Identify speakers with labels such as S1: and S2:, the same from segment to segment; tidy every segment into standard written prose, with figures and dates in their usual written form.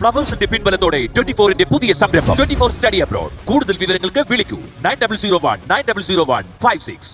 S1: ഫ്ലവേഴ്സിന്റെ പിൻബലത്തോടെ 24-ന്റെ പുതിയ സംരംഭം 24 study abroad. കൂടുതൽ വിവരങ്ങൾക്ക് വിളിക്കൂ 9001901556.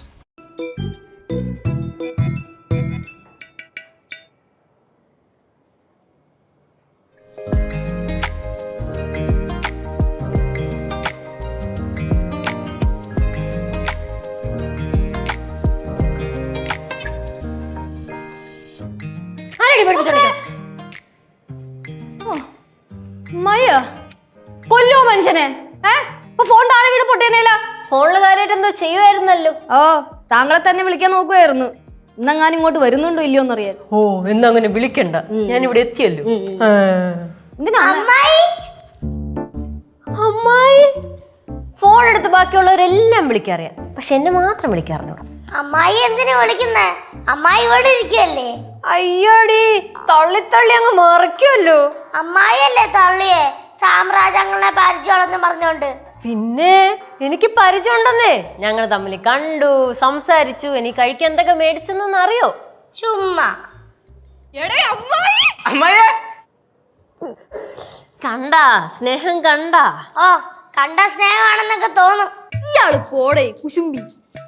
S2: കൊല്ലോ മനുഷ്യനെ. ഫോൺ താഴെ വീട് പൊട്ടിയനേല.
S3: ഫോണില് കാര്യമായിട്ട് എന്തോ ചെയ്യുമായിരുന്നല്ലോ.
S2: ഓ, താങ്കളെ തന്നെ വിളിക്കാൻ നോക്കുമായിരുന്നു. ഇന്നെങ്ങാനും ഇങ്ങോട്ട് വരുന്നുണ്ടോ ഇല്ലയോന്നറിയാൻ.
S3: ഓ, എന്നങ്ങനെ വിളിക്കണ്ട, ഞാൻ ഇവിടെ എത്തിയല്ലോ. അമ്മായി ഫോൺ എടുത്ത് ബാക്കിയുള്ളവരെല്ലാം വിളിക്കാറിയാം, പക്ഷെ എന്നെ മാത്രം വിളിക്കാറിഞ്ഞൂടാ.
S4: അമ്മായി എന്തിനാ വിളിക്കുന്നേ? അമ്മായി ഇവിടെ ഇരിക്കല്ലേ?
S3: അയ്യോടി, തള്ളി അങ്ങ് മറിക്കുമല്ലോ.
S4: അമ്മായിയല്ലേ തള്ളിയേ സാമ്രാജ്യങ്ങളെ പരിചയമുള്ളെന്ന് പറഞ്ഞോണ്ട്?
S3: പിന്നെ എനിക്ക് പരിചയം ഉണ്ടെന്നേ. ഞങ്ങൾ തമ്മിൽ കണ്ടു, സംസാരിച്ചു. എനിക്ക് കഴിക്കാൻ എന്തൊക്കെ മേടിച്ചെന്ന് അറിയോ?
S4: ചുമ്മാ.
S3: കണ്ടാ സ്നേഹം കണ്ടാ?
S4: ഓ, കണ്ട സ്നേഹമാണെന്നൊക്കെ തോന്നും.
S2: ഇയാള് പോടേ കുശുമ്പി.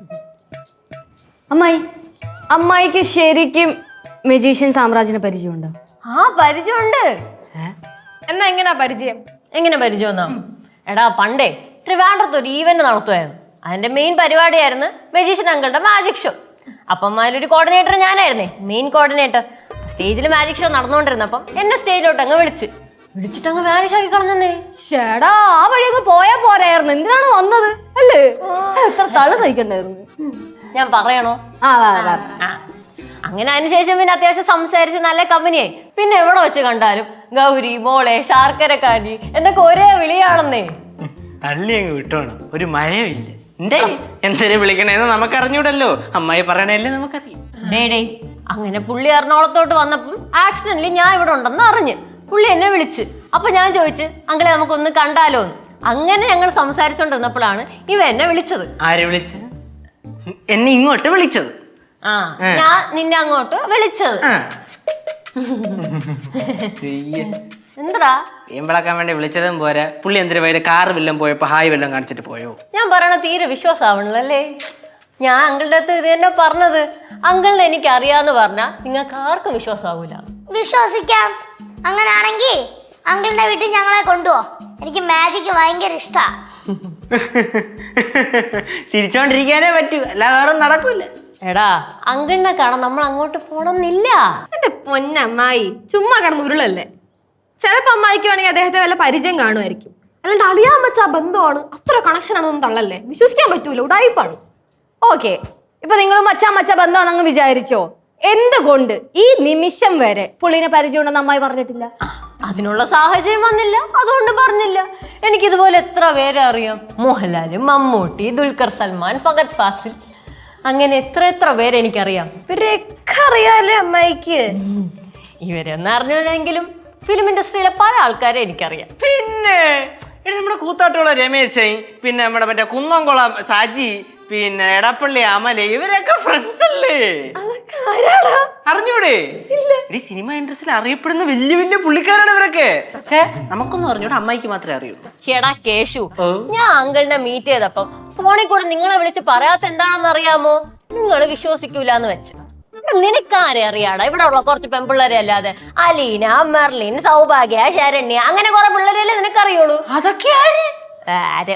S2: അമ്മായിക്ക് ശരിക്കും മജീഷ്യൻ സാമ്രാജ്യനെ പരിചയമുണ്ടോ?
S3: ആ, പരിചയമുണ്ട്.
S2: എന്നാ എങ്ങനാ പരിചയം?
S3: എങ്ങനെ പരിചയമെന്നാ? എടാ, പണ്ടേ ട്രിവാൻഡ്രത്ത് ഒരു ഈവന്റ് നടത്തുമായിരുന്നു. അതിന്റെ മെയിൻ പരിപാടിയായിരുന്നു മജീഷ്യൻ അങ്കിളുടെ മാജിക് ഷോ. അപ്പം അതിലൊരു കോർഡിനേറ്റർ ഞാനായിരുന്നേ, മെയിൻ കോർഡിനേറ്റർ. സ്റ്റേജിൽ മാജിക് ഷോ നടന്നുകൊണ്ടിരുന്നപ്പം എന്നെ സ്റ്റേജിലോട്ട് അങ്ങ് വിളിച്ചിട്ട് അങ്ങ് വാനിഷ് ആക്കി കളഞ്ഞേ.
S2: ചേടാ, ആ വഴി അങ്ങ് പോയാ പോരായിരുന്നു. എന്തിനാണ് വന്നത് അല്ലേ? എത്ര തള സഹിക്കണ്ടായിരുന്നു.
S3: ഞാൻ പറയണോ? അങ്ങനെ അതിനുശേഷം പിന്നെ അത്യാവശ്യം സംസാരിച്ച് നല്ല കമ്പനിയായി. പിന്നെ എവിടെ വെച്ച് കണ്ടാലും ഗൗരി, മോളെ, ശാർക്കരക്കാരി എന്നൊക്കെ ഒരേ വിളിയാണെന്നേ.
S5: തള്ളി അങ്ങ് വിട്ടോണം, ഒരു മയമില്ല. എന്തിനു വിളിക്കണേന്ന് നമുക്കറിഞ്ഞൂടല്ലോ, അമ്മായി പറയണല്ലേ നമുക്കറിയാം.
S3: ഡേ, അങ്ങനെ പുള്ളി എറണാകുളത്തോട്ട് വന്നപ്പം ആക്സിഡന്റലി ഞാൻ ഇവിടെ ഉണ്ടെന്ന് അറിഞ്ഞ് പുള്ളി എന്നെ വിളിച്ച്. അപ്പൊ ഞാൻ ചോദിച്ചു, അങ്കിളെ നമുക്കൊന്ന് കണ്ടാലോന്ന്. അങ്ങനെ ഞങ്ങൾ സംസാരിച്ചോണ്ടിരുന്നപ്പോഴാണ് ഇവ എന്നെ വിളിച്ചത്.
S5: ആര് വിളിച്ച്? എന്നെ ഇങ്ങോട്ട് വിളിച്ചത്?
S3: ആ, ഞാൻ നിന്നെ അങ്ങോട്ട് വിളിച്ചത്. എന്താ
S5: എമ്പളക്കാൻ വേണ്ടി വിളിച്ചതും പോരാ, പുള്ളി എന്തിനു പോയത്? കാറ് വല്ലതും പോയപ്പോ ഹായ് വല്ലതും കാണിച്ചിട്ട് പോയോ?
S3: ഞാൻ പറയണ തീരെ വിശ്വാസമാവണല്ലേ. ഞാൻ അങ്കിളുടെ അടുത്ത് ഇത് തന്നെ പറഞ്ഞത്. അങ്കിളിനെ എനിക്ക് അറിയാന്ന് പറഞ്ഞാ നിങ്ങൾക്ക് ആർക്കും വിശ്വാസമാവൂല.
S4: വിശ്വസിക്കാം. അങ്ങനാണെങ്കി അങ്കിളിന്റെ വീട്ടിൽ ഞങ്ങളെ കൊണ്ടുപോ. എനിക്ക് മാജിക് ഭയങ്കര ഇഷ്ടാ.
S5: ചിരിച്ചോണ്ടിരിക്കാനേ പറ്റൂ, അല്ല വേറെ നടക്കൂല.
S3: എടാ, അങ്കിളിനെ കാണാൻ നമ്മൾ അങ്ങോട്ട് പോണമെന്നില്ല.
S2: എന്റെ പൊന്നമ്മായി, ചുമ്മാ കിടന്ന് ഉരുളല്ലേ. ചിലപ്പോ അമ്മായിക്ക് വേണമെങ്കിൽ അദ്ദേഹത്തെ വല്ല പരിചയം കാണുമായിരിക്കും. അല്ലാണ്ട് അറിയാൻ പറ്റാ ബന്ധമാണ്, അത്ര കണക്ഷൻ ആണെന്നൊന്നും തള്ളല്ലേ. വിശ്വസിക്കാൻ പറ്റൂല, ഉടായിപ്പാണ്. ഓക്കെ, ഇപ്പൊ നിങ്ങൾ മച്ചാ ബന്ധമാണെന്ന് വിചാരിച്ചോ? എന്തുകൊണ്ട് ഈ നിമിഷം വരെ പുള്ളിനെ പരിചയമുണ്ടെന്ന് അമ്മായി പറഞ്ഞിട്ടില്ല?
S3: അതിനുള്ള സാഹചര്യം വന്നില്ല, അതുകൊണ്ട് പറഞ്ഞില്ല. എനിക്കിതുപോലെ എത്ര പേരെ അറിയാം. മോഹൻലാല്, മമ്മൂട്ടി, ദുൽഖർ സൽമാൻ, ഫഹദ് ഫാസിൽ, അങ്ങനെ എത്ര പേരെ എനിക്കറിയാം.
S2: ഇവരൊക്കെ അറിയാലേ അമ്മായിക്ക്.
S3: ഇവരൊന്നും അറിഞ്ഞില്ലെങ്കിലും ഫിലിം ഇൻഡസ്ട്രിയിലെ പല ആൾക്കാരെ എനിക്കറിയാം.
S5: പിന്നെ നമ്മുടെ കൂത്താട്ടുള്ള രമേശ്, പിന്നെ നമ്മുടെ മറ്റേ കുന്നംകുളം സാജി, പിന്നെ എടപ്പള്ളി അമല, ഇവരൊക്കെ ഫ്രണ്ട്സ് അല്ലേ? അറിഞ്ഞൂടെ? ഈ സിനിമ ഇൻഡസ്ട്രിയിൽ അറിയപ്പെടുന്ന വലിയ പുള്ളിക്കാരാണ് ഇവരൊക്കെ. പക്ഷേ നമുക്കൊന്നും അറിഞ്ഞൂടെ, അമ്മായിക്ക് മാത്രമേ അറിയൂ.
S3: എടാ കേശു, ഞാൻ അങ്കിളിനെ മീറ്റ് ചെയ്തപ്പം ഫോണിൽ കൂടെ നിങ്ങളെ വിളിച്ച് പറയാത്ത എന്താണെന്ന് അറിയാമോ? നിങ്ങൾ വിശ്വസിക്കൂലെന്ന് വെച്ച്. നിനക്കാരെ അറിയാടാ? ഇവിടെ ഉള്ള കുറച്ച് പെൺപിള്ളേരെ അല്ലാതെ അലീന, മെർലിൻ, സൗഭാഗ്യ, ശരണ്യ, അങ്ങനെ കുറെ പിള്ളേരല്ലേ നിനക്കറിയുള്ളൂ.
S5: അതൊക്കെ
S3: ആര്?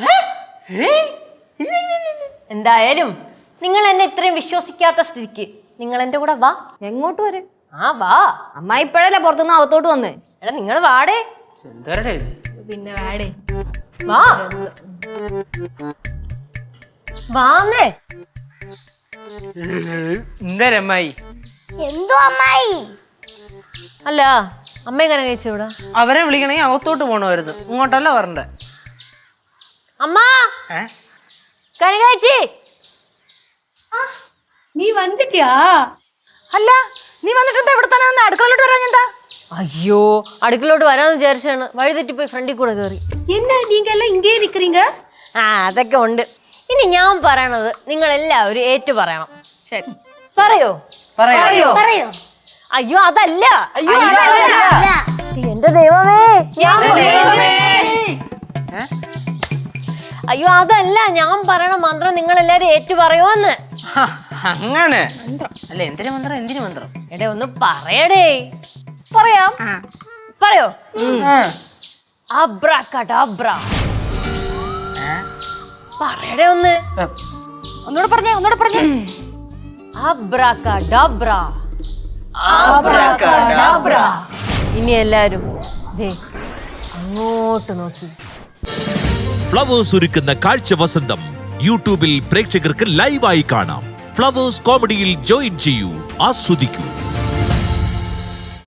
S3: എന്തായാലും നിങ്ങൾ എന്നെ ഇത്രയും വിശ്വസിക്കാത്ത സ്ഥിതിക്ക് നിങ്ങൾ എന്റെ കൂടെ വാ.
S2: എങ്ങോട്ട് വരെ?
S3: ആ വാ.
S2: അമ്മായി ഇപ്പോഴല്ലേ പുറത്തുനിന്ന് അകത്തോട്ട് വന്നേ.
S3: എടാ, നിങ്ങൾ വാടേ.
S5: എന്തോരടെ ഇത്?
S2: പിന്നെ വാടേ,
S3: വാ. വാന്നേ.
S5: എന്തരമ്മായി?
S4: എന്തോ അമ്മായി?
S3: അല്ല, അമ്മ എങ്ങനെ കഴിച്ചൂടാ?
S5: അവരെ വിളിക്കണമെങ്കിൽ അകത്തോട്ട് പോണമായിരുന്നു, ഇങ്ങോട്ടല്ല വരണ്ടേ.
S3: അമ്മ കഴിച്ചി.
S6: നീ വന്നിട്ടിയാ?
S7: അല്ല, നീ വന്നിട്ട് എന്താ ഇവിടെ തന്നെ അടുക്കളയിലോട്ട് വരാൻ? എന്താ?
S3: അയ്യോ, അടുക്കളോട്ട് വരാന്ന് വിചാരിച്ചാണ്, വഴി തെറ്റിപ്പോയി ഫ്രണ്ടിൽ കൂടെ കയറി.
S6: എന്നാ നീങ്ക എല്ലാം ഇങ്ങേ നിക്കറീങ്ക?
S3: ആ, അതൊക്കെ ഉണ്ട്. ഇനി ഞാൻ പറയണത് നിങ്ങൾ എല്ലാവരും ഏറ്റു പറയണം.
S2: ശരി,
S3: പറയോ?
S4: പറയോ?
S3: അയ്യോ, അതല്ല.
S4: അല്ല.
S3: എന്റെ ദൈവമേ, അയ്യോ അതല്ല, ഞാൻ പറയണ മന്ത്രം നിങ്ങൾ എല്ലാരും ഏറ്റു പറയുമെന്ന്.
S5: ഹ, അങ്ങനെ അല്ല, എന്തിനു മന്ത്രം, എന്തിനു മന്ത്രം?
S3: എടേ ഒന്ന് പറയടേ. പറയാം, പറയോ? അബ്രാക്കഡാബ്ര. പറയടേ ഒന്ന്.
S7: ഒന്നുകൂടെ പറഞ്ഞേ.
S3: അബ്രാക്കഡാബ്ര. ഇനി എല്ലാരും ദേ അങ്ങോട്ട് നോക്കി.
S1: ഫ്ലവേഴ്സ് ഒരുക്കുന്ന കാഴ്ച വസന്തം യൂട്യൂബിൽ പ്രേക്ഷകർക്ക് ലൈവായി കാണാം. ഫ്ലവേഴ്സ് കോമഡിയിൽ ജോയിൻ ചെയ്യൂ, ആസ്വദിക്കൂ.